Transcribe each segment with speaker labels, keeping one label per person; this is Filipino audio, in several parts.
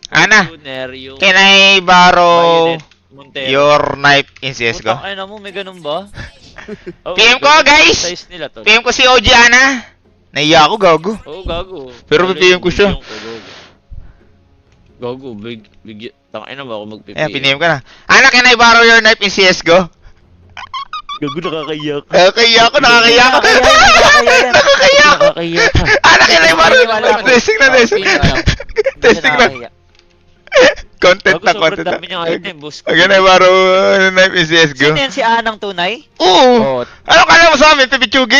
Speaker 1: Ana,
Speaker 2: Tuner, yung
Speaker 1: can I borrow
Speaker 2: Bayonet, Montero.
Speaker 1: your knife in CSGO?
Speaker 2: Putang ina mo, may ganun ba? Oh,
Speaker 1: PM ko,
Speaker 2: ganun yung
Speaker 1: guys!
Speaker 2: Size nila, tol.
Speaker 1: PM ko si OG Ana. Naiya ako, gago.
Speaker 2: Oo, gago.
Speaker 1: Pero
Speaker 2: Lalo
Speaker 1: PM ko siya.
Speaker 2: yung gago. Gago, tangina ba ako mag-PPM?
Speaker 1: Ayan, piniem ka na. Ana, can I borrow your knife in CSGO?
Speaker 2: Gago, nakakaiyak.
Speaker 1: Nakakaya ako, nakakaya ako. Nakakaya ako.
Speaker 2: Nakakaiyak.
Speaker 1: Ana, can I borrow?
Speaker 2: Wala ako.
Speaker 1: Testing na, testing. Testing na. Content na,
Speaker 2: Gago,
Speaker 1: content
Speaker 2: sobrang
Speaker 1: na.
Speaker 2: dami niyang item, boss.
Speaker 1: Can I borrow knife in CSGO?
Speaker 3: Sino yan si Anang tunay?
Speaker 1: Oo!
Speaker 2: Oo.
Speaker 1: Ano kala mo sa amin, Pipichugi?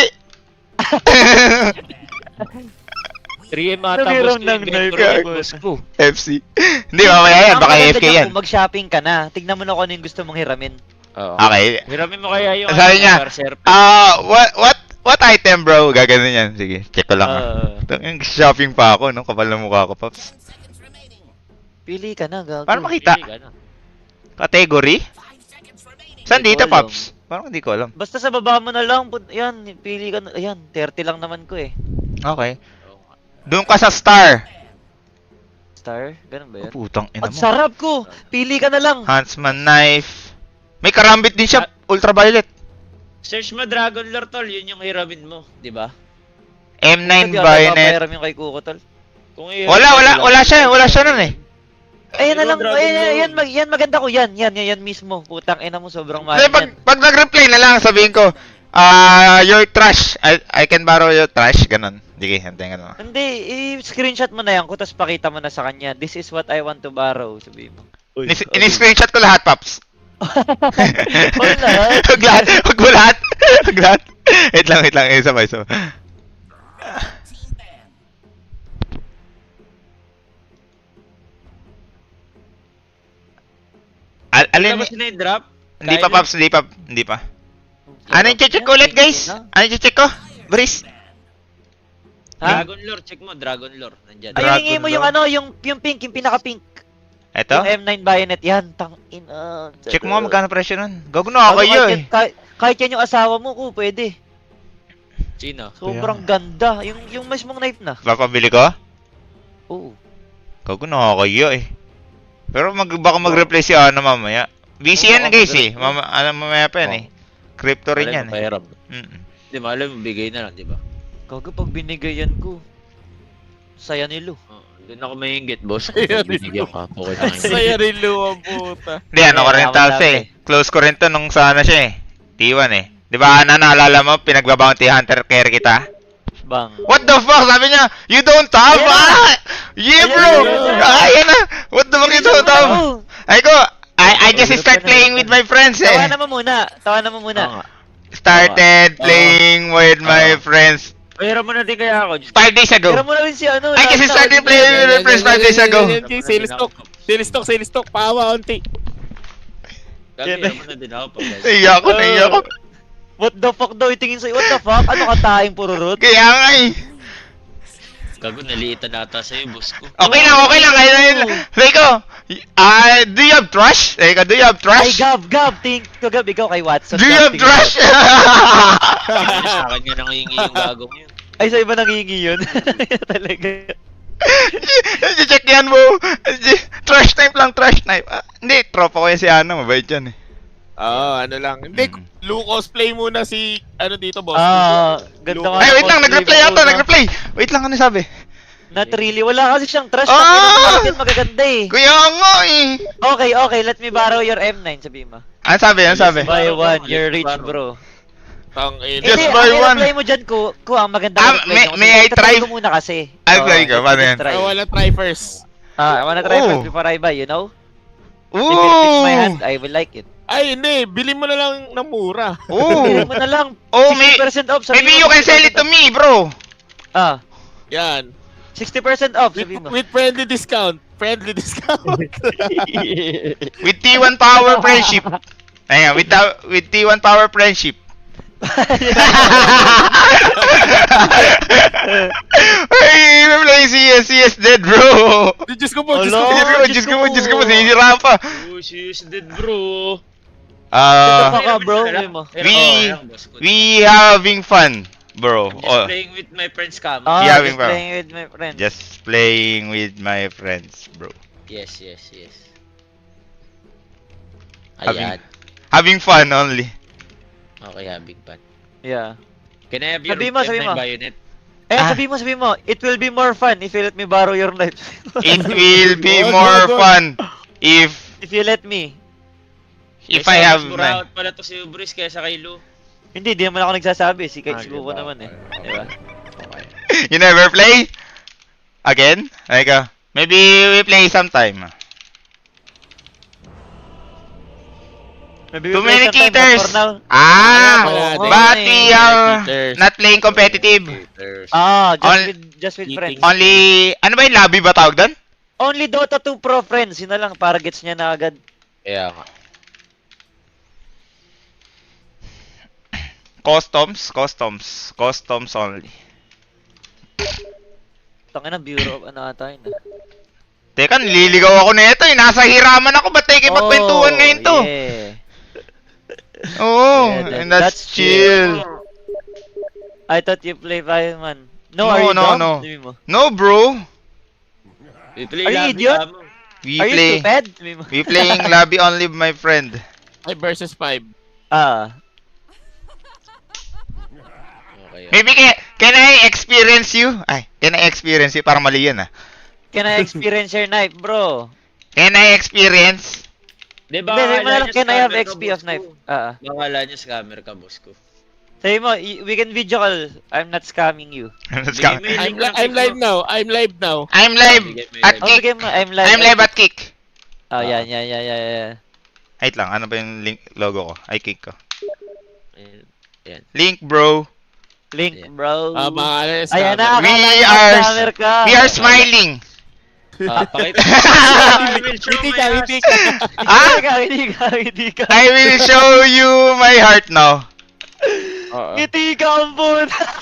Speaker 2: 3M ata,
Speaker 3: Nabiram
Speaker 2: boss ko.
Speaker 3: ng
Speaker 2: Yung
Speaker 3: knife.
Speaker 2: Vector, boss ko.
Speaker 1: FC. Hindi, mamaya yan,
Speaker 3: Ang
Speaker 1: baka
Speaker 3: maganda
Speaker 1: AFK
Speaker 3: niyan
Speaker 1: yan.
Speaker 3: kung mag-shopping ka na. Tignan mo na kung ano yung gusto mong hiramin.
Speaker 2: Oo.
Speaker 1: Okay.
Speaker 2: Hiramin mo kaya yung
Speaker 1: Sabi niya,
Speaker 2: Berserk.
Speaker 1: What item, bro? Gaganon yan. Sige, check ko lang. Yung shopping pa ako, no? Kapal na mukha ko, Pops.
Speaker 3: Pili ka na, gago.
Speaker 1: Paano makita?
Speaker 2: Pili ka na.
Speaker 1: Category? Saan
Speaker 3: Hindi
Speaker 1: dito,
Speaker 3: ko alam.
Speaker 1: Pops? Parang hindi ko alam.
Speaker 3: Basta sa baba mo na lang. Yan, pili ka na. Ayan, 30 lang naman ko eh.
Speaker 1: Okay.
Speaker 2: Oo nga.
Speaker 1: Doon ka sa star.
Speaker 3: Star? Ganun ba
Speaker 1: Oh,
Speaker 3: yan?
Speaker 1: putang ina
Speaker 3: Ang
Speaker 1: mo.
Speaker 3: sarap ko! Pili ka na lang.
Speaker 1: Huntsman knife. May karambit din siya, ultraviolet.
Speaker 2: Search mo Dragon Lore, tol. Yun yung hiramin mo, di ba?
Speaker 1: M9
Speaker 3: Sabi,
Speaker 1: bayonet.
Speaker 3: papahiram yung kay Kuko, tol.
Speaker 2: Kung
Speaker 1: Wala siya nun eh.
Speaker 3: Ayan na lang,
Speaker 2: Dragon
Speaker 3: ayan,
Speaker 2: Lore.
Speaker 3: yan maganda ko yan. Yan mismo. Putang ina mo, sobrang mahal
Speaker 1: Kasi
Speaker 3: yan.
Speaker 1: pag nag-reply na lang, sabihin ko, your trash. I can borrow your trash. Ganon. Sige, hantayin ka na.
Speaker 3: Hindi, i-screenshot mo na yan ko, tapos pakita mo na sa kanya. This is what I want to borrow, sabi mo.
Speaker 1: Ini-screenshot ko lahat, Pops.
Speaker 3: Wala.
Speaker 1: Huwag lahat. Huwag mo lahat. Huwag lahat. Wait lang. Isa pa. Alin?
Speaker 2: Tapos na yung drop?
Speaker 1: Hindi pa, Pops. Hindi pa. Ano yung check ko ulit, guys? Ano yung check ko? Breeze.
Speaker 3: Ha?
Speaker 2: Dragon Lore, check mo. Dragon Lore. Nandyan.
Speaker 3: Ay,
Speaker 1: Dragon
Speaker 3: hingi mo
Speaker 1: Lord.
Speaker 3: yung ano, yung pink, yung pinaka-pink.
Speaker 1: Eto?
Speaker 3: Yung M9 bayonet, yan, tangin.
Speaker 1: Check mo nga magkano presyo nun. Gago na ako yun eh.
Speaker 3: Kahit yan yung asawa mo, pwede.
Speaker 2: Sino?
Speaker 3: Sobrang ganda. Yung mismong knife na.
Speaker 1: Papabili ko?
Speaker 3: Oo.
Speaker 1: Gago na ako eh. Pero baka mag-reply si Ana mamaya. Busy yan guys eh. Mamaya pa yan eh. Crypto rin yan eh.
Speaker 2: Pahiram.
Speaker 1: Mm-mm.
Speaker 2: Di ba, alam mo, bigay na lang, di ba?
Speaker 3: Gago pag binigayan ko. Saya nilo.
Speaker 2: Oo. Doon ako maingit, boss.
Speaker 4: Ayun,
Speaker 2: Binigyan ka. Okay na ngayon.
Speaker 4: Saya rin luwang puta.
Speaker 1: Hindi, ano ko rin
Speaker 3: tama,
Speaker 1: talsa
Speaker 3: tama.
Speaker 1: eh. Close ko rin to nung sana siya eh. T1 eh. Di ba Ana, naalala mo, pinagbabounty hunter care kita?
Speaker 3: Bang.
Speaker 1: What the fuck? Sabi niya, you don't have?
Speaker 3: Ayan na.
Speaker 1: Yeah bro!
Speaker 3: Ayan na.
Speaker 1: Ayan na! What the fuck you don't have?
Speaker 3: Oo.
Speaker 1: Ay ko, I just start playing with my friends eh.
Speaker 3: Tawanan mo muna.
Speaker 2: Oo nga.
Speaker 1: Started playing with my friends
Speaker 2: Pahiram mo na din kaya ako. Diyos
Speaker 1: 5 days ago.
Speaker 3: Tira mo na rin si ano.
Speaker 1: I just
Speaker 3: Lana,
Speaker 1: started
Speaker 3: ano
Speaker 1: playing
Speaker 3: yan?
Speaker 1: with my friends 5 days ago.
Speaker 4: Sales stock,
Speaker 2: Gabi, hiram mo na din ako pag
Speaker 1: Naiya ko.
Speaker 3: What the fuck daw itingin sa'yo? What the fuck? Ano ka taing pururot?
Speaker 1: Kaya nga eh.
Speaker 2: Gago, naliitan ata sa'yo, boss ko.
Speaker 1: Okay lang. Rico, do you have trash? Rico, do you have
Speaker 3: Ay,
Speaker 1: trash?
Speaker 3: Gab. Think ko, Gab. Ikaw kay Watson.
Speaker 1: Do you have
Speaker 3: Gab, tingin
Speaker 1: trash?
Speaker 3: ko.
Speaker 2: Sa akin nga nangingi yung gagong yun.
Speaker 3: Ay, sa iba nangingi yun. Talaga.
Speaker 1: Check yan mo. Trash type lang, trash type. Hindi, tropa ko yan si Ana. Mabait yan eh.
Speaker 4: ano lang. Hindi, Lu cosplay muna si, dito, boss.
Speaker 3: Ganda nga.
Speaker 1: Ay, wait lang.
Speaker 3: cosplay
Speaker 1: Nag-reply
Speaker 3: mo,
Speaker 1: ata.
Speaker 3: no?
Speaker 1: Nag-reply. Wait lang, ano sabi?
Speaker 3: Not really. Wala kasi siyang trash.
Speaker 1: Ah!
Speaker 3: Yan magaganda eh.
Speaker 1: Kaya nga eh.
Speaker 3: Okay. Let me borrow your M9, sabi mo.
Speaker 1: Ano sabi?
Speaker 3: Buy one, you're rich, bro.
Speaker 4: Tangin.
Speaker 1: Just
Speaker 3: Hindi,
Speaker 1: buy
Speaker 3: ang
Speaker 1: one.
Speaker 3: reply mo dyan, ko ang maganda
Speaker 1: Ah,
Speaker 3: reply mo.
Speaker 1: may I try?
Speaker 3: ko muna kasi.
Speaker 1: I'll try ko, paano yan?
Speaker 4: I wanna try first.
Speaker 3: I wanna try
Speaker 1: Oh.
Speaker 3: first before I buy, you know? If it fits my hand,
Speaker 1: Ooh!
Speaker 3: I will like it.
Speaker 4: Ay, hindi. Bilhin mo na lang ng mura.
Speaker 3: Bilhin
Speaker 1: Ooh!
Speaker 3: mo na lang.
Speaker 1: Oh,
Speaker 3: 60% off. sabi
Speaker 1: maybe
Speaker 3: mo,
Speaker 1: you can sell it to
Speaker 3: 60%
Speaker 1: me, bro.
Speaker 3: off.
Speaker 4: Yan.
Speaker 3: 60% off, sabi mo.
Speaker 4: With friendly discount.
Speaker 1: With T1 Power Friendship. Ayan, with T1 Power Friendship. Ay, may playing CS dead, bro.
Speaker 4: Diyos ko po, Diyos
Speaker 3: Hello?
Speaker 4: ko.
Speaker 1: Diyos ko, sinisira pa.
Speaker 2: Oh, she is dead, bro.
Speaker 3: Baka, bro, sabi mo.
Speaker 1: We having fun, bro.
Speaker 2: I'm just
Speaker 1: Oh,
Speaker 2: playing with my friends, Cam.
Speaker 3: Ah,
Speaker 1: Yeah,
Speaker 3: just
Speaker 1: bro.
Speaker 3: playing with my friends.
Speaker 1: just playing with my friends, bro.
Speaker 2: Yes, yes, yes.
Speaker 1: Having-
Speaker 2: Ayan.
Speaker 1: Having fun only.
Speaker 2: Okay, having fun.
Speaker 3: Yeah.
Speaker 2: Can I have your
Speaker 3: Sabi mo, sabi
Speaker 2: M9
Speaker 3: mo.
Speaker 2: bayonet?
Speaker 3: Eh,
Speaker 1: Ah.
Speaker 3: sabi mo, it will be more fun if you let me borrow your knife.
Speaker 1: It will be
Speaker 4: Wag,
Speaker 1: more
Speaker 4: wag, wag.
Speaker 1: fun if
Speaker 3: If you let me.
Speaker 1: I have
Speaker 2: Mas
Speaker 1: na.
Speaker 2: buraot pala to si Ubris kaysa kay Lu.
Speaker 3: Hindi, di naman ako nagsasabi. Si
Speaker 2: Ah,
Speaker 3: Sugo ko
Speaker 2: diba?
Speaker 3: naman eh.
Speaker 2: Okay.
Speaker 3: Diba?
Speaker 2: Okay.
Speaker 1: You never play? Again? Like, maybe we play sometime.
Speaker 3: Maybe
Speaker 1: Too
Speaker 3: we play
Speaker 1: many
Speaker 3: sometime, but
Speaker 1: cheaters!
Speaker 3: for now.
Speaker 1: Ah!
Speaker 4: Oo,
Speaker 1: But
Speaker 3: eh.
Speaker 1: we are
Speaker 4: Cheaters.
Speaker 1: not playing competitive.
Speaker 2: Cheaters.
Speaker 3: Just with friends.
Speaker 1: Only, ano ba yung lobby ba tawag doon?
Speaker 3: Only Dota 2 Pro friends. Yun na lang, para gets niya na agad.
Speaker 2: Kaya nga.
Speaker 1: Customs only.
Speaker 3: Tangin na, Bureau of ano ata yun.
Speaker 1: Teka, nililigaw ako na ito eh. Nasa hiraman ako. Ba't tayo kipagkwentuhan ngayon to?
Speaker 3: Yeah.
Speaker 1: Oo,
Speaker 3: Yeah,
Speaker 1: and that's chill.
Speaker 3: I thought you play Fireman. No,
Speaker 1: No,
Speaker 3: are you
Speaker 1: no,
Speaker 3: dumb?
Speaker 1: no.
Speaker 3: Sabi mo.
Speaker 1: No, bro.
Speaker 2: We play
Speaker 3: Are you
Speaker 2: lobby,
Speaker 3: idiot?
Speaker 2: amo.
Speaker 1: We
Speaker 3: Are you
Speaker 1: play.
Speaker 3: stupid? Sabi mo.
Speaker 1: We playing lobby only, my friend.
Speaker 4: 5 versus 5.
Speaker 3: Ah.
Speaker 2: Okay.
Speaker 1: Maybe can I experience you? Ay, can I experience you? Parang mali yun ah.
Speaker 3: Can I experience your knife, bro?
Speaker 1: Can I experience?
Speaker 2: Di
Speaker 3: Hindi, sabi mo na lang,
Speaker 2: niya
Speaker 3: can I have
Speaker 2: scammer ka,
Speaker 3: XP
Speaker 2: boss
Speaker 3: of knife?
Speaker 2: ko.
Speaker 3: Ah.
Speaker 2: Bakala niya scammer ka, boss ko.
Speaker 3: Sabi mo, we can video call. I'm not scamming you.
Speaker 1: Let's
Speaker 2: Bigay
Speaker 1: go.
Speaker 2: mo yung link ng
Speaker 4: I'm
Speaker 2: kick
Speaker 4: live
Speaker 2: mo.
Speaker 4: now. I'm live now.
Speaker 1: I'm live at
Speaker 3: Oh,
Speaker 1: kick.
Speaker 3: bigay mo. I'm live.
Speaker 1: I'm live at kick.
Speaker 3: Oh, yan.
Speaker 1: Wait lang, ano ba yung link logo ko? Ay, kick ko.
Speaker 2: Ayan.
Speaker 1: Link, bro.
Speaker 3: Link,
Speaker 2: Yeah.
Speaker 3: bro.
Speaker 4: Mga
Speaker 3: Ayan na,
Speaker 1: We
Speaker 3: akala ko
Speaker 1: are-
Speaker 3: scammer ka.
Speaker 1: We are smiling.
Speaker 2: Pakita.
Speaker 4: Ngiti ka, ngiti ka.
Speaker 1: Ah?
Speaker 3: Hindi ka.
Speaker 1: I will show you my heart now.
Speaker 3: Ngiti ka, ampun.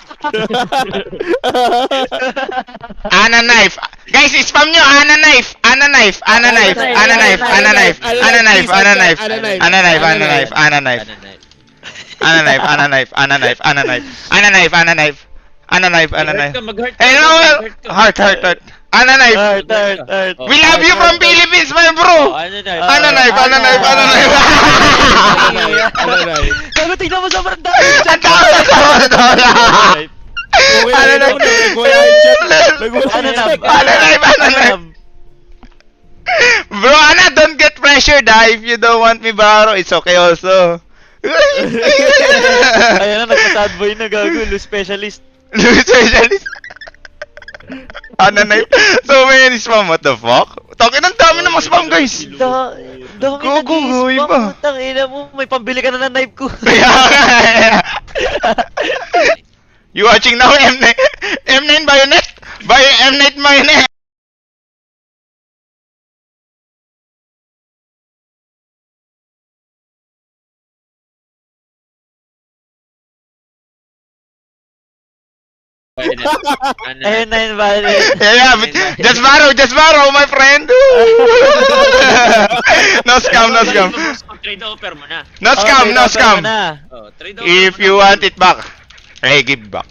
Speaker 1: Ana knife. Guys, spam nyo. Ana knife. Ana knife. Ana knife. Ana knife. Ana knife. Ana knife. Ana knife. Ana knife. Ana knife. Ana knife. Ana knife. Ana knife. Ana knife. Ana knife. Ana knife. Ana knife. Ana knife. Ana knife. Ana knife.
Speaker 2: Mag-heart ka.
Speaker 1: Hey, no. Heart. Ana knife.
Speaker 3: Heart.
Speaker 1: We love you from Philippines, my bro.
Speaker 2: Ano na?
Speaker 1: Ana knife. Ana knife. Ana knife.
Speaker 3: Gago, tignan mo sa banda.
Speaker 1: Ang tawag na tawag. Ano na?
Speaker 4: Nagwala yung chat. Nagwala
Speaker 3: Ano
Speaker 4: yung
Speaker 3: na?
Speaker 4: chat.
Speaker 1: Ano knife. Ano knife. Bro, Ana, don't get pressured ah. If you don't want me borrow, it's okay also.
Speaker 3: Ayan na, nagpa-sad boy na gago. Lu specialist.
Speaker 1: Specialist. Ana knife. So many spam, what the fuck? Takin, ang dami na mga spam, guys.
Speaker 3: Dami na
Speaker 1: Gogo, goy
Speaker 3: di-spam.
Speaker 1: pa.
Speaker 3: Putang ina mo, may pambili ka na ng knife ko.
Speaker 1: Kaya nga. You watching now, M9? M9 bayonet? M9 bayonet?
Speaker 3: Ayun na yun, bali.
Speaker 1: Yeah, but just borrow, my friend. No scam, no scam.
Speaker 2: Trade offer mo na.
Speaker 1: No scam, no scam.
Speaker 2: Oh, trade offer
Speaker 1: If
Speaker 2: mo
Speaker 1: you
Speaker 2: na.
Speaker 1: want it back, I give back.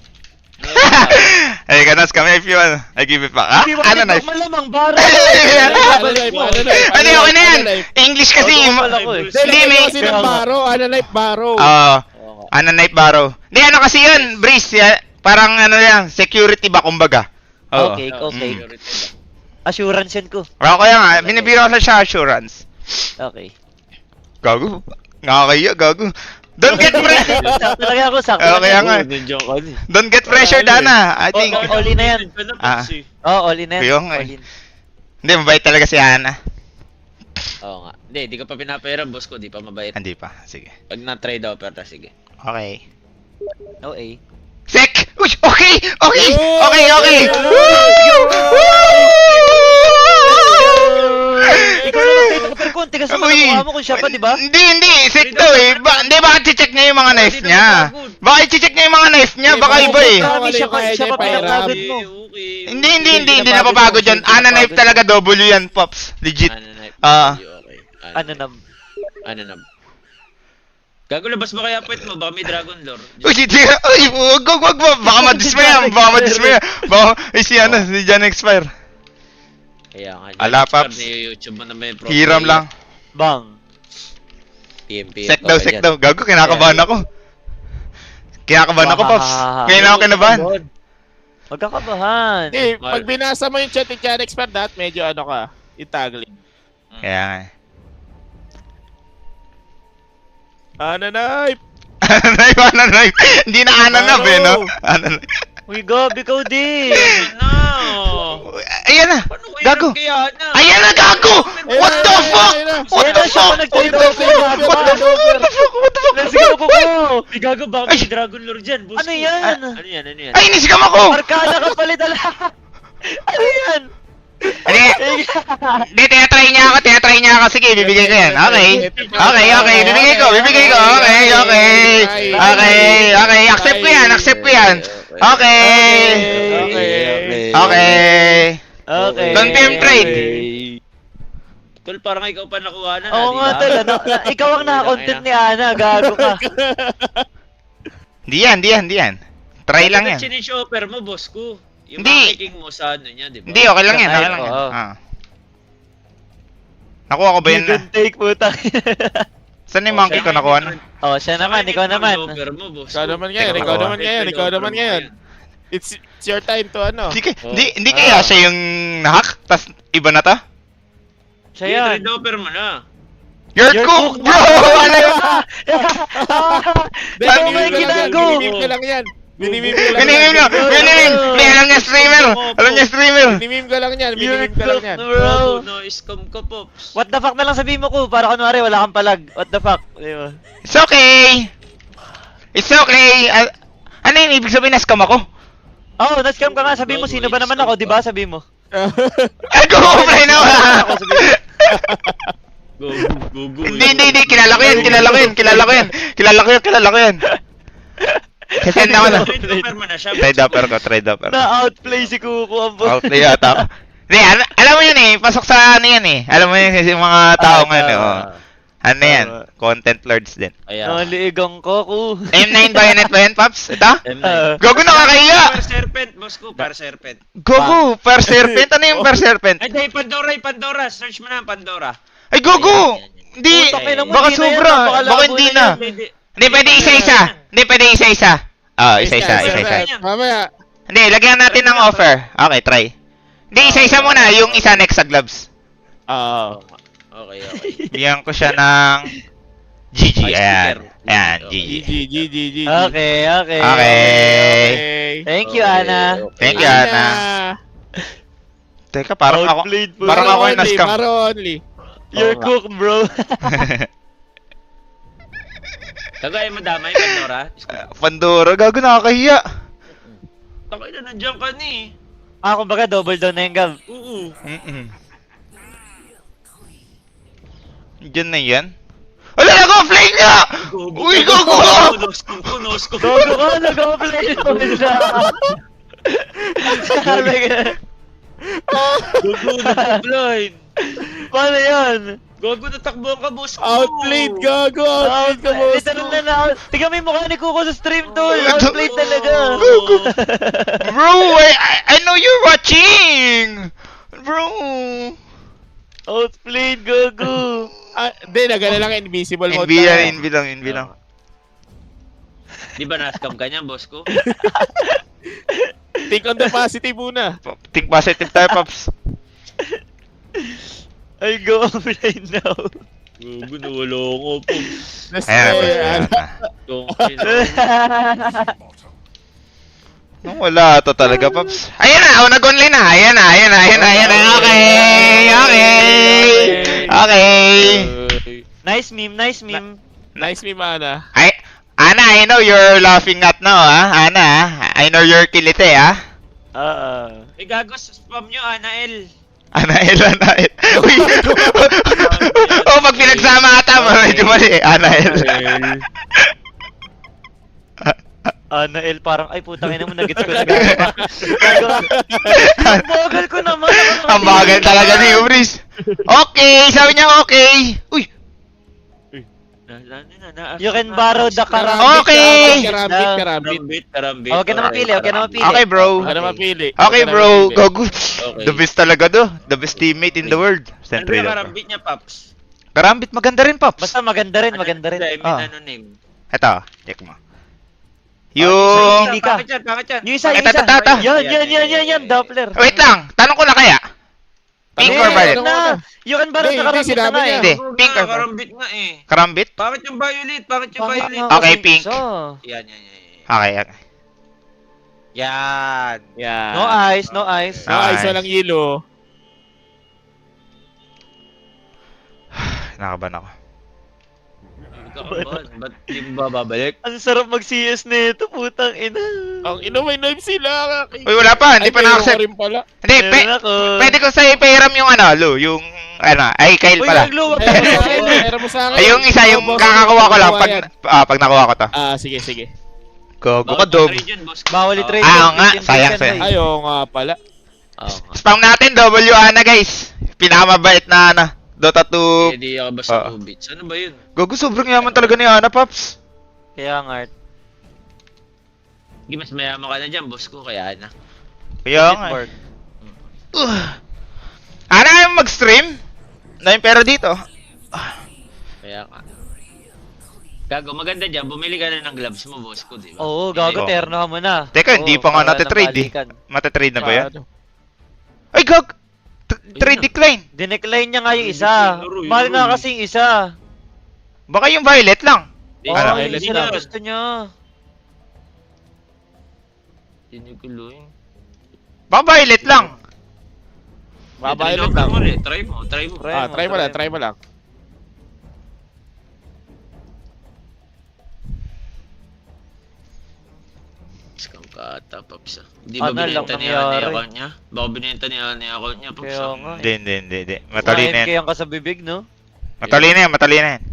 Speaker 1: Hey, no scam. If you want, I give it back. Ha? Ano knife?
Speaker 3: Malamang bara.
Speaker 4: Ano live, ano live,
Speaker 1: Ano yun, ano yan?
Speaker 4: ano live.
Speaker 1: English kasi.
Speaker 3: Pala ko eh.
Speaker 1: Hindi,
Speaker 4: Hindi,
Speaker 1: may...
Speaker 4: kasi ng baro. Ano live, baro.
Speaker 1: Ano knife borrow. Hindi, ano kasi yun, Breeze. Parang ano yan, security ba, kumbaga. Oo.
Speaker 3: Okay, okay.
Speaker 1: Mm.
Speaker 3: Assurance yan ko.
Speaker 1: Ako kaya nga, binibiro ko siya assurance.
Speaker 3: Okay.
Speaker 1: Gago. Nakakaya, gago. Don't get pressure.
Speaker 3: Sakto lang ako, sakto
Speaker 1: Okay,
Speaker 3: lang
Speaker 1: nga.
Speaker 2: Nandiyan ka din.
Speaker 1: Don't get pressured, Ana. I think.
Speaker 3: Oh, all in na yan.
Speaker 1: Ah.
Speaker 3: Oh, all in na yan.
Speaker 1: Yung, eh.
Speaker 3: All in.
Speaker 1: Hindi, mabait talaga si Ana.
Speaker 2: Oo nga. Hindi, di ka pa pinapera, boss ko. Di pa mabait.
Speaker 1: Hindi pa. Sige.
Speaker 2: Pag na-trade offer na, sige.
Speaker 1: Okay.
Speaker 3: No A.
Speaker 1: Sek! Uy, okay! Okay! Okay, okay!
Speaker 3: Ikaw na lang tayo pero konti kasi
Speaker 1: Uy!
Speaker 3: mukha mo kung siya pa, di ba?
Speaker 1: Hindi! Sek to eh! Hindi, baka check niya yung mga knife niya. Baka i-check niya yung mga knife niya. Baka iba eh.
Speaker 3: Marami siya pa pinapagod mo.
Speaker 2: Okay.
Speaker 1: Hindi napapagod yan. Ana knife talaga, W yan, Pops. Legit.
Speaker 2: Ano na?
Speaker 1: Ah.
Speaker 2: Okay.
Speaker 3: Ano na?
Speaker 2: Ano na? Gago, labas mo kaya pwet mo. Baka may Dragon Lore.
Speaker 1: Uy, hindi. Uy, wag. Baka madismaya. Baka, si ano, si Jan expire.
Speaker 2: Kaya nga.
Speaker 1: Ala, Paps.
Speaker 2: YouTube mo naman yung pro
Speaker 1: Hiram
Speaker 2: player.
Speaker 1: lang.
Speaker 3: Bang.
Speaker 2: PMP.
Speaker 1: Sek daw. Gago, kinakabahan ako. Kinakabahan ako, Pops. Ngayon ako kinabahan.
Speaker 3: Huwag ka kabahan.
Speaker 4: Eh, pag binasa mo yung chat ni Chan Expert, medyo ano ka, itagling.
Speaker 1: Kaya nga.
Speaker 4: Ananay!
Speaker 1: Ananay. Hindi na ananab eh, no? Ananay.
Speaker 3: Uy, Gab, ikaw din.
Speaker 2: No!
Speaker 1: Ayan na.
Speaker 2: Paano ko
Speaker 1: Gago.
Speaker 2: hirap kaya na?
Speaker 1: Ayan na, gago! What the fuck? What the fuck?
Speaker 3: Nag-trade
Speaker 1: What the
Speaker 3: over,
Speaker 1: fuck?
Speaker 3: gago.
Speaker 1: What the fuck? What the fuck? What the fuck?
Speaker 3: Let's go, Kuko.
Speaker 2: May gago ba
Speaker 1: Ay!
Speaker 2: may Dragon Lord dyan, boss
Speaker 3: Ano
Speaker 2: ko?
Speaker 3: yan?
Speaker 2: Ano yan?
Speaker 1: Ay, inisigam ako!
Speaker 3: Arkada ka palit ala. Ano yan?
Speaker 1: Hindi, tinatry niya ako. Sige, bibigay ko yan. Okay. Bibigay ko. Okay. Accept ko yan. Okay. Confirm trade.
Speaker 2: Tol, parang ikaw pa nakuha na.
Speaker 3: Oo nga, tol. Ikaw ang naka-content ni Ana. Gago ka.
Speaker 1: Hindi yan. Try lang yan.
Speaker 2: Sinishopper mo, boss ko. Yung
Speaker 1: Hindi.
Speaker 2: makiking mo sa ano niya, di ba?
Speaker 1: Hindi, okay lang yan.
Speaker 3: Oo.
Speaker 1: Nakuha ko ba yun
Speaker 3: You can take, putang.
Speaker 1: Saan yung monkey ko nakuha na?
Speaker 3: Oh, siya naman. Ikaw naman.
Speaker 2: Shopper mo, boss
Speaker 4: Ikaw
Speaker 2: ko.
Speaker 4: naman ngayon. It's your time to ano.
Speaker 1: Hindi kaya siya yung nahack? Tas iba na to?
Speaker 3: Siya
Speaker 2: Sige,
Speaker 3: yan.
Speaker 2: trade offer mo na.
Speaker 1: You're cooked, bro! Ano yun?
Speaker 3: Ikaw ba yung ginago?
Speaker 4: Binimim ko lang yan.
Speaker 1: Binimim! May alam niya streamer!
Speaker 4: Binimim ko lang yan.
Speaker 3: You're
Speaker 4: Binimim ko lang
Speaker 3: cooked,
Speaker 4: yan.
Speaker 3: bro.
Speaker 2: No, scam ka, Pops.
Speaker 3: What the fuck na lang sabihin mo ko? Para kunwari wala kang palag. What the fuck? Di ba?
Speaker 1: It's okay! Ano yung ibig sabihin na scam ako?
Speaker 3: Oh, na-scam ka nga. Sabihin mo, sino ba naman ako? Di ba? Sabihin mo.
Speaker 1: Ay, go-offline ako!
Speaker 2: Go.
Speaker 1: Hindi. Kilala ko yan. Kasi ako na.
Speaker 2: Trade offer mo na siya,
Speaker 1: Trade upper ko.
Speaker 3: Na-outplay si Kuko ang boss.
Speaker 1: Outplay yata ako. Hindi, alam mo yun eh. Pasok sa ano yan eh. Alam mo yun kasi yung mga tao ngayon eh. Oh. Ano yan? Content lords din.
Speaker 2: Ayan.
Speaker 3: Naliigang ko, ku.
Speaker 1: M9 bayonet ba yan, Paps? Ito?
Speaker 2: M9.
Speaker 1: Gogo, nakakahiya!
Speaker 2: Per serpent, boss ko. Per serpent.
Speaker 1: Gogo, per serpent? Ano yung per serpent?
Speaker 2: Ay, di, Pandora. Search mo na ang Pandora.
Speaker 1: Ay, Gogo!
Speaker 2: Ayan.
Speaker 1: Hindi!
Speaker 3: Putak, ina mo,
Speaker 1: Baka
Speaker 3: hindi na yan.
Speaker 1: sobra!
Speaker 3: Napakalabo
Speaker 1: Baka hindi
Speaker 3: na
Speaker 1: na!
Speaker 3: yan.
Speaker 1: Hindi, pwede isa-isa! Isa-isa.
Speaker 4: Mamaya.
Speaker 1: Hindi, lagyan natin ng offer. Okay, try. Hindi, isa-isa muna. Yung isa next sa gloves.
Speaker 4: Oo.
Speaker 2: Okay.
Speaker 1: Bigyan ko siya ng GG.
Speaker 2: Ay,
Speaker 1: Ayan.
Speaker 2: sticker.
Speaker 1: Ayan,
Speaker 2: Okay.
Speaker 1: GG.
Speaker 4: GG.
Speaker 3: Okay.
Speaker 1: Okay.
Speaker 3: Thank you, Ana.
Speaker 1: Thank you, Ana. Teka, parang ako
Speaker 3: Outplayed po.
Speaker 1: parang ako yung na-scam.
Speaker 4: Paro only.
Speaker 3: You're cooked, bro.
Speaker 2: Tagay mo damay, Pandora.
Speaker 1: Pandora, gago, nakakahiya.
Speaker 2: Takay na, nandiyan ka ni.
Speaker 3: Kumbaga double down na yung Gab.
Speaker 2: Oo.
Speaker 1: Diyan na yan. Wala na ko, flame niya! Uy, gogo!
Speaker 2: No scoop.
Speaker 3: Gogo ka, nag-play double down. Sabi ka.
Speaker 2: Gogo, nag-blind.
Speaker 3: Paano yun?
Speaker 2: Gogo, natakbo ka, boss ko.
Speaker 4: Outplayed, gago. Outplayed ka, boss.
Speaker 3: Literal na. Tingnan mo yung mukha ni Kuko sa stream, tol. Outplayed talaga.
Speaker 1: Bro, I know you're watching! Bro!
Speaker 3: Outplayed, Gogo.
Speaker 4: Hindi, nagana lang invisible mode.
Speaker 1: Invi lang.
Speaker 2: Di ba na-scam ka niyan, boss ko?
Speaker 4: Think on the positive muna.
Speaker 1: Think positive tayo, Pops.
Speaker 3: I go offline now.
Speaker 2: Gogo, nawala ko po.
Speaker 1: Ayan.
Speaker 2: Okay na.
Speaker 1: Nung wala to talaga, Pops. Ayan na, nag-online na. Ayan na. Okay.
Speaker 3: Nice meme.
Speaker 4: Nice me, mana.
Speaker 1: Ana, I know you're laughing at now, ha? Ana, I know you're kilite, ha?
Speaker 2: Eh, gago, spam nyo, Anael.
Speaker 1: Anael. Uy! Pag pinagsama ata, medyo mali. Anael.
Speaker 3: Anael, parang, ay putang ina mo, nagets ko na gago ka. Ang bagal ko naman.
Speaker 1: Ang bagal talaga ni Ubris. Okay, sabi niya okay. Uy!
Speaker 3: You can borrow the
Speaker 1: Okay.
Speaker 4: Karambit.
Speaker 3: Okay na mapili, okay na mapili.
Speaker 1: Okay, bro.
Speaker 4: Ano mapili?
Speaker 1: Okay, bro. Gogo.
Speaker 2: Okay.
Speaker 1: The best talaga do. The best teammate in the world.
Speaker 2: Ano
Speaker 1: Sentry
Speaker 2: ba
Speaker 1: daw.
Speaker 2: karambit niya, Paps?
Speaker 1: Karambit, maganda rin, Pops.
Speaker 3: Basta maganda rin, maganda rin.
Speaker 2: Hindi,
Speaker 1: Ah.
Speaker 2: ano name?
Speaker 1: Ito, check mo.
Speaker 3: Yung-
Speaker 1: Yung...
Speaker 3: Hindi ka.
Speaker 2: Pangit yan, pangit yan.
Speaker 3: Yung isa, yung
Speaker 1: Ito,
Speaker 3: isa.
Speaker 1: ito, ito.
Speaker 3: Yan, Doppler.
Speaker 1: Wait lang, tanong ko na kaya. Pink
Speaker 4: Hindi,
Speaker 1: or violet?
Speaker 4: ano?
Speaker 3: Na, you can borrow
Speaker 4: Hindi,
Speaker 3: the
Speaker 4: hindi,
Speaker 3: karambit
Speaker 4: sinabi
Speaker 3: na
Speaker 4: niya.
Speaker 3: eh.
Speaker 1: Hindi.
Speaker 2: Oo
Speaker 1: Pink
Speaker 2: nga,
Speaker 1: or-
Speaker 2: karambit nga eh.
Speaker 1: Karambit?
Speaker 2: Pangit yung violet, pangit yung
Speaker 3: Pangit
Speaker 2: violet.
Speaker 3: nga,
Speaker 1: Okay, pink.
Speaker 3: So,
Speaker 2: Yan, yan, yan.
Speaker 1: Okay, okay.
Speaker 2: Yan. Yan.
Speaker 3: no eyes, no eyes.
Speaker 4: Ay,
Speaker 1: Nice.
Speaker 4: isa lang yelo.
Speaker 1: Nakaban ako.
Speaker 2: Ba't di mo ba babalik?
Speaker 3: Ang sarap mag-CS nito, putang ina.
Speaker 4: Ang ino, may knife sila.
Speaker 1: Uy, wala pa, hindi pa
Speaker 4: meron
Speaker 1: na-accept.
Speaker 4: ko rin pala.
Speaker 1: Hindi,
Speaker 3: Meron ako.
Speaker 1: pwede ko sa'yo ipahiram yung ano, Lu, yung, ano, ay, Kyle
Speaker 3: Uy,
Speaker 1: pala.
Speaker 3: nagluwag ka
Speaker 4: Meron
Speaker 3: sa
Speaker 4: mo sa
Speaker 3: akin.
Speaker 4: akin, meron mo sa akin.
Speaker 1: Ay, yung isa, yung
Speaker 4: Boss,
Speaker 1: kakakuha ko lang,
Speaker 4: kukuha
Speaker 1: pag,
Speaker 4: yan.
Speaker 1: pag nakuha ko to.
Speaker 4: Sige, sige.
Speaker 1: Gogo ka,
Speaker 2: Bawal
Speaker 1: dog.
Speaker 2: trade yun, boss.
Speaker 3: Bawal i-trade.
Speaker 1: Ah,
Speaker 3: yan,
Speaker 1: oo nga,
Speaker 3: 15%
Speaker 1: sayang,
Speaker 3: na
Speaker 1: sayang.
Speaker 3: eh.
Speaker 4: Ayaw nga pala.
Speaker 2: Oo nga.
Speaker 1: Spam natin, W Ana, guys. Pinakamabait na, ano, Dota 2.
Speaker 2: Hindi ako basta
Speaker 1: Oo.
Speaker 2: 2 bits. Ano ba yun?
Speaker 1: Gogo, sobrang yaman talaga ni Ana, Paps.
Speaker 3: Kaya nga, Art.
Speaker 2: Hindi, mas mayaman ka na dyan, boss ko. Kaya na.
Speaker 1: Kaya nga.
Speaker 3: Network.
Speaker 1: Ana, ayaw mo mag-stream? Na yung pera dito.
Speaker 2: Kaya ka. Gago, maganda dyan. Bumili ka na ng gloves mo, boss ko, di ba?
Speaker 3: Oo, gago,
Speaker 1: Oo.
Speaker 3: terno ka muna.
Speaker 1: Teka, hindi
Speaker 3: Oo,
Speaker 1: pa nga
Speaker 3: para
Speaker 1: natitrade eh.
Speaker 3: napalikan.
Speaker 1: Matatrade na ba yan?
Speaker 4: Paano?
Speaker 1: Ay, gag! Trade decline.
Speaker 3: Dinecline niya nga yung
Speaker 2: Hindi,
Speaker 3: isa.
Speaker 2: laro,
Speaker 3: Mahal
Speaker 2: laro.
Speaker 3: nga kasi yung isa.
Speaker 1: Baka yung violet lang.
Speaker 2: Hindi,
Speaker 3: Oo,
Speaker 1: Ano?
Speaker 3: yung
Speaker 2: hindi
Speaker 3: isa
Speaker 2: na.
Speaker 3: na gusto niya.
Speaker 2: Tiniguloy.
Speaker 1: Baka violet lang.
Speaker 4: Babayad lang.
Speaker 2: Try mo.
Speaker 3: Try
Speaker 4: Try mo lang, try mo lang.
Speaker 2: Scam ka ata, Paps. Hindi
Speaker 3: Ano
Speaker 2: ba
Speaker 3: lang
Speaker 2: binenta ni
Speaker 3: nangyari?
Speaker 2: Ani account niya? Baka binenta ni Ani account niya, Paps.
Speaker 3: Kaya nga.
Speaker 1: Hindi. Matalino yan.
Speaker 3: Kaya ka sa bibig, no?
Speaker 1: Matalino yan.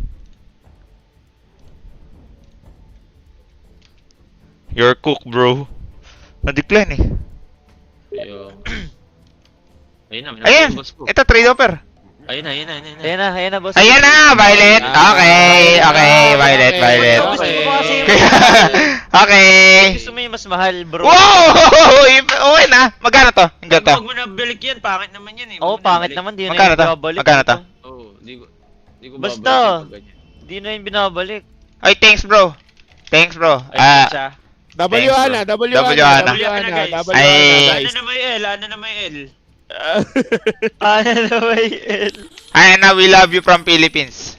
Speaker 1: You're cook, bro. Na-decline eh.
Speaker 2: Ayun. Ayun na,
Speaker 1: Ayan!
Speaker 2: boss ko.
Speaker 1: Ito, trade offer.
Speaker 2: Ayun na.
Speaker 3: Ayan na, boss.
Speaker 1: Ayan na, violet. Okay, violet.
Speaker 3: Gusto mo ba kasi
Speaker 1: Okay.
Speaker 3: gusto mo yung mas mahal, bro?
Speaker 1: Wow! Okay na. Magkano to? Ang ganito.
Speaker 2: Huwag mo na balik yan, pangit naman yan eh.
Speaker 3: Oo,
Speaker 2: Huwag mo na
Speaker 3: pangit
Speaker 2: ibalik.
Speaker 3: naman, di na
Speaker 1: Magkano
Speaker 3: yung
Speaker 1: to?
Speaker 3: binabalik.
Speaker 1: Magkano to?
Speaker 2: Oo, di ko
Speaker 3: Basta.
Speaker 2: babalik yung ganyan.
Speaker 3: Di na yung binabalik.
Speaker 1: Ay, thanks, bro. Thanks, bro.
Speaker 2: Ay, siya.
Speaker 4: W
Speaker 1: Thanks,
Speaker 4: Ana,
Speaker 1: bro.
Speaker 4: W
Speaker 1: W
Speaker 4: Ana,
Speaker 1: Ana.
Speaker 4: W Ana,
Speaker 2: guys.
Speaker 4: W
Speaker 1: Ay.
Speaker 4: Ana,
Speaker 2: Ano
Speaker 4: guys.
Speaker 2: na may L? Ano na may L?
Speaker 3: Ano na ba yun?
Speaker 1: Ana, we love you from Philippines.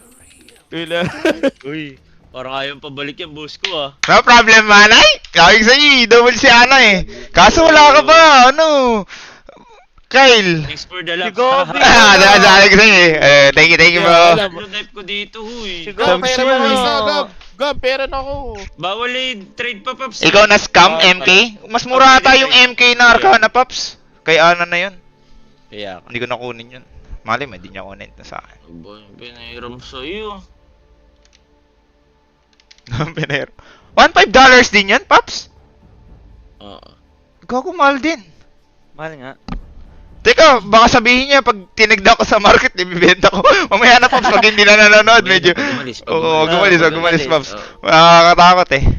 Speaker 2: Uy, parang ayaw pabalik yan, boss ko ah.
Speaker 1: No problem, manay. Kawig sa'yo, double si Ana eh. Kaso wala ka pa, ano? Kyle.
Speaker 2: Thanks for the love.
Speaker 3: Si Gobi.
Speaker 1: Dahil sa'yo eh. Thank you, bro.
Speaker 4: Alam.
Speaker 2: Ano knife ko dito, huy.
Speaker 3: Si
Speaker 4: Gab,
Speaker 3: Gab,
Speaker 4: pera mo ako isa, Gab. Gab, pera na ako.
Speaker 2: Bawal eh, trade pa, Paps.
Speaker 1: Ikaw na scam, MK? Mas mura ata yung MK na Arcana, Paps. Kay Ana na yun.
Speaker 2: Kaya ka.
Speaker 1: Hindi ko nakunin yun. Mali mo, hindi niya kunin na sa akin.
Speaker 2: Boy, pinahiram sa'yo.
Speaker 1: Pinero. $1.5 din yan, Paps?
Speaker 2: Oo.
Speaker 1: Gago, mahal din.
Speaker 3: Mahal nga.
Speaker 1: Teka, baka sabihin niya pag tinigda ko sa market, ibibenta ko. Mamaya na, Paps, pag hindi na nanonood, medyo...
Speaker 2: Gumalis.
Speaker 1: Oo, gumalis, Paps.
Speaker 2: Oo.
Speaker 1: Makakatakot eh.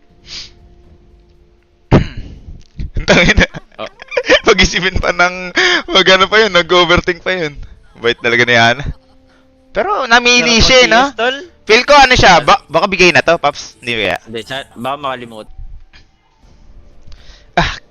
Speaker 1: Tangina.
Speaker 2: Oh.
Speaker 1: Pag-isipin pa ng... Mag-ano pa yun, nag-overthink pa yun. Bait talaga ni Ana. Pero namili siya eh, no?
Speaker 3: Tol?
Speaker 1: Feel ko ano siya, baka bigay na to, Paps. Hindi kaya.
Speaker 2: Hindi, baka makalimut.
Speaker 1: Ah,